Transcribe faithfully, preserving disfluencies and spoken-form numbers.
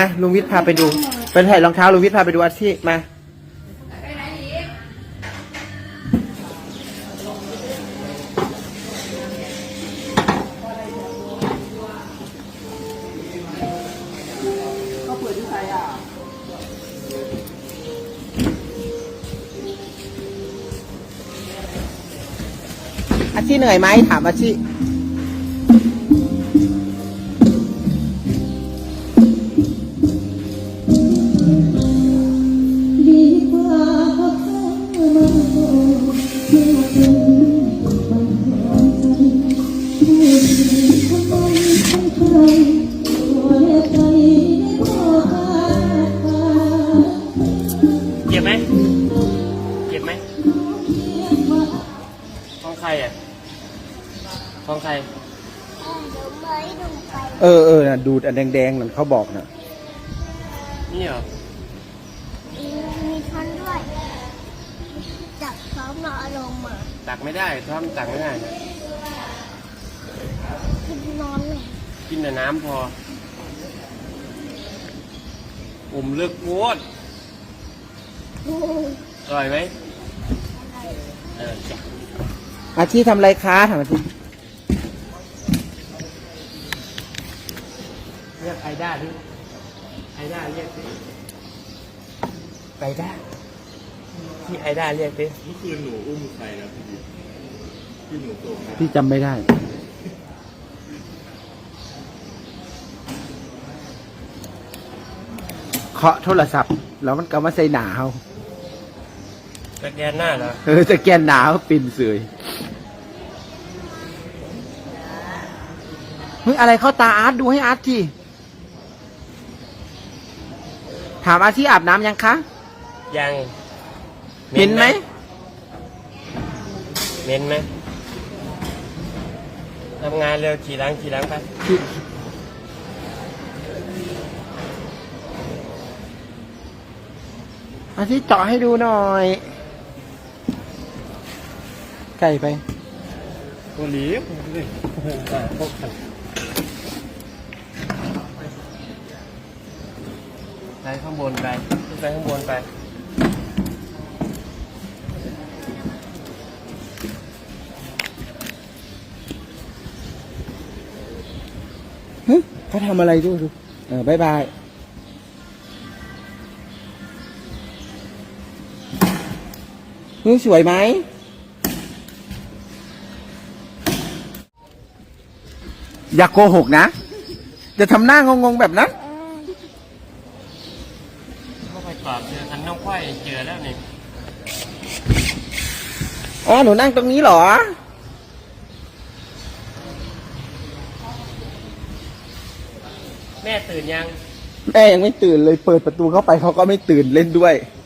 มาลุงวิทย์พาไปดูไปถ่ายรองเท้าลุงวิทย์พาไปดูอาชีพมาอาชีพเหนื่อยไหมถามอาชีพเจ็บไหมเจ็บไหมของใครอ่ะของใครเออเออนะดูดอันแดงๆนั่นเขาบอกนะนี่เหรอมีช้อนด้วยจับช้อนมาลงมาตักไม่ได้ช้อนตักไม่ได้นะกินนอนเลยกินแต่น้ำพออมเลือกโคตรอร่อยไหมเออจ้ะอาชีพทำไรคะถามอาชีพเรียกไอด้าดิไอด้าเรียกดิไอด้าที่ไอด้าเรียกดิเมื่อคืนหนูอุ้มใครนะพี่ที่หนูส่งพี่จำไม่ได้เคาะโทรศัพท์แล้วมันก็มาใส่หนาเขาสแกนหน้าเหรอเออสแกนหนาเขาปิ่นเสยเฮ้ยอะไรเข้าตาอาร์ตดูให้อาร์ตทีถามอาร์ตที่อาบน้ำยังคะยังเหม็นไหมเหม็นไหมทำงานเร็วขี่ล้างขี่ล้างไปอาร์ตที่เจาะให้ดูหน่อยไก่ไปตัวหลีบนี่พวกขันไปข้างบนไปไปข้างบนไปฮึเขาทำอะไรดูดูเออบายบายฮึสวยไหมอย่าโกหกนะจะทำหน้างงๆแบบนั้นเข้าไปกรอบเจอคันน้องควายเจอแล้วนี่อ๋อหนูนั่งตรงนี้เหรอแม่ตื่นยังแม่ยังไม่ตื่นเลยเปิดประตูเข้าไปเขาก็ไม่ตื่นเล่นด้วย